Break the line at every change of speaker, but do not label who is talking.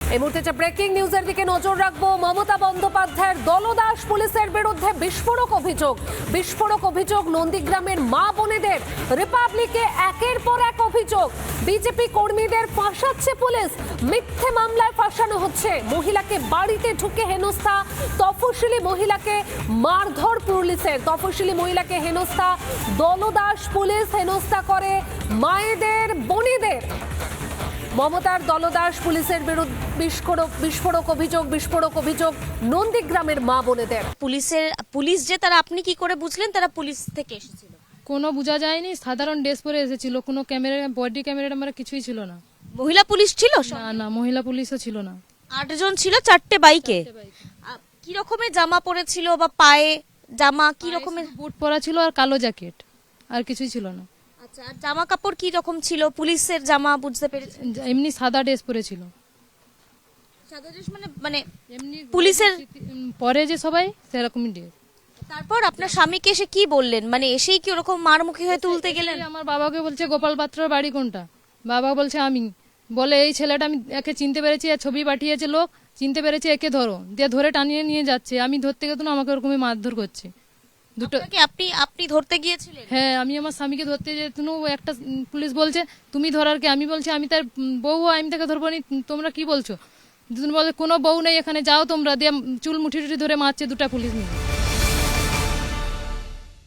এই মুহূর্তে ব্রেকিং নিউজের দিকে নজর রাখবো। মমতা বন্দ্যোপাধ্যায়ের দলদাস পুলিশের বিরুদ্ধে বিস্ফোরক অভিযোগ নন্দীগ্রামের মা বোনেদের। রিপাবলিকে একের পর এক অভিযোগ। বিজেপি কর্মীদের ফাঁসাচ্ছে পুলিশ, মিথ্যে মামলায় ফাঁসানো হচ্ছে। মহিলাকে বাড়িতে ঢুকে হেনস্থা, তফসিলি মহিলাকে মারধর পুলিশের। তফসিলি মহিলাকে হেনস্থা, দলদাস পুলিশ হেনস্থা করে মায়েদের, বোনেদের। মমতার দলদাস পুলিশের বিরুদ্ধে বিস্ফোরক অভিযোগ নন্দীগ্রামের মা বোনেদের।
পুলিশ যে তারা, আপনি কি করে বুঝলেন তারা পুলিশ থেকে এসেছিল?
কোনো বোঝা যায়নি, সাধারণ ড্রেস পরে এসেছিল। কোনো ক্যামেরা, বডি ক্যামেরা আমার কিছুই ছিল না।
মহিলা পুলিশ ছিল?
না, মহিলা পুলিশও ছিল না।
8 জন ছিল 4টে বাইকে। কি রকমের জামা পরেছিল বা পায়ে জামা কি রকমের?
বুট পরা ছিল আর কালো জ্যাকেট, আর কিছুই ছিল না।
আচ্ছা, আর জামা কাপড় কি রকম ছিল? পুলিশের জামা বুঝতে পেরেছি,
এমনি সাদা ড্রেস পরেছিল।
সাদা ড্রেস মানে
এমনি
পুলিশের
পরে যে সবাই সেরকমই ড্রেস।
তারপর আপনার স্বামীকে এসে কি বললেন? মানে এসেই কি ওরকম মারমুখী হয়ে তুলতে গেলেন?
আমার বাবাকে বলছে গোপাল পাত্রর বাড়ি কোনটা। বাবা বলছে আমি, বলে এই ছেলেটা আমি একে চিনতে পেরেছি, আর ছবি পাঠিয়েছে লোক, চিনতে পেরেছে, একে ধরো। দিয়ে ধরে টানিয়ে নিয়ে যাচ্ছে। আমি ধরতে গেতো না, আমাকে ওরকমই মারধর করছে। দুটো।
আপনি ধরতে গিয়েছিলেন?
হ্যাঁ, আমি আমার স্বামীকে ধরতে যেত। একটা পুলিশ বলছে তুমি ধরার কে? আমি বলছি আমি তার বউ, আমি তাকে ধরবো নি, তোমরা কি বলছো? দুজন বলে কোনো বউ নেই এখানে, যাও তোমরা। দিয়ে চুল মুঠি টুটি ধরে মারছে দুটা পুলিশ নিয়ে।